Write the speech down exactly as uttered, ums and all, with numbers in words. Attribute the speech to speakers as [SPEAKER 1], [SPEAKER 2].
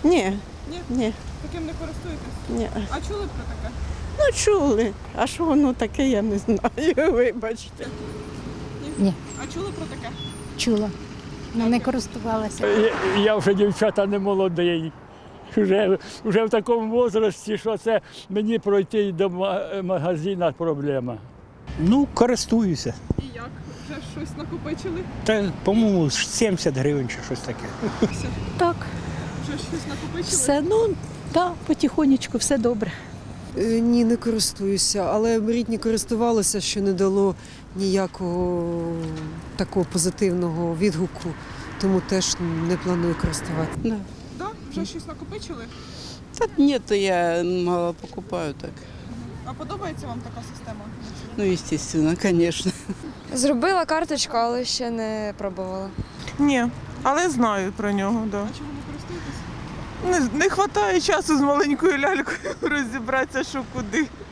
[SPEAKER 1] Ні,
[SPEAKER 2] Ні?
[SPEAKER 1] ні,
[SPEAKER 2] Таким не користуєтесь?
[SPEAKER 1] ні.
[SPEAKER 2] А чули про таке?
[SPEAKER 1] Ну чули. А що воно таке, я не знаю, вибачте.
[SPEAKER 3] Ні.
[SPEAKER 2] А чули про таке?
[SPEAKER 3] Чула, але не користувалася.
[SPEAKER 4] Я, я вже дівчата не молодий. Вже, вже в такому віці, що це мені пройти до ма- магазину проблема.
[SPEAKER 5] Ну, користуюся.
[SPEAKER 2] І як? Вже щось накопичили?
[SPEAKER 5] Та, по-моєму, сімдесят гривень чи щось таке.
[SPEAKER 6] Так,
[SPEAKER 2] Вже щось накопичили?
[SPEAKER 6] все, ну, так, потихонечку, все добре.
[SPEAKER 7] Е, Ні, не користуюся, але рідні користувалися, що не дало ніякого такого позитивного відгуку, тому теж не планую користуватися.
[SPEAKER 1] Да.
[SPEAKER 2] Да? Вже щось накопичили?
[SPEAKER 1] Та ні, то я мало покупаю так.
[SPEAKER 2] А подобається вам така система?
[SPEAKER 1] Ну, естественно, звісно.
[SPEAKER 8] Зробила карточку, але ще не пробувала.
[SPEAKER 9] Ні, але знаю про нього, да.
[SPEAKER 2] А чому не користуєтесь?
[SPEAKER 9] Не, не вистачає часу з маленькою лялькою розібратися, що куди.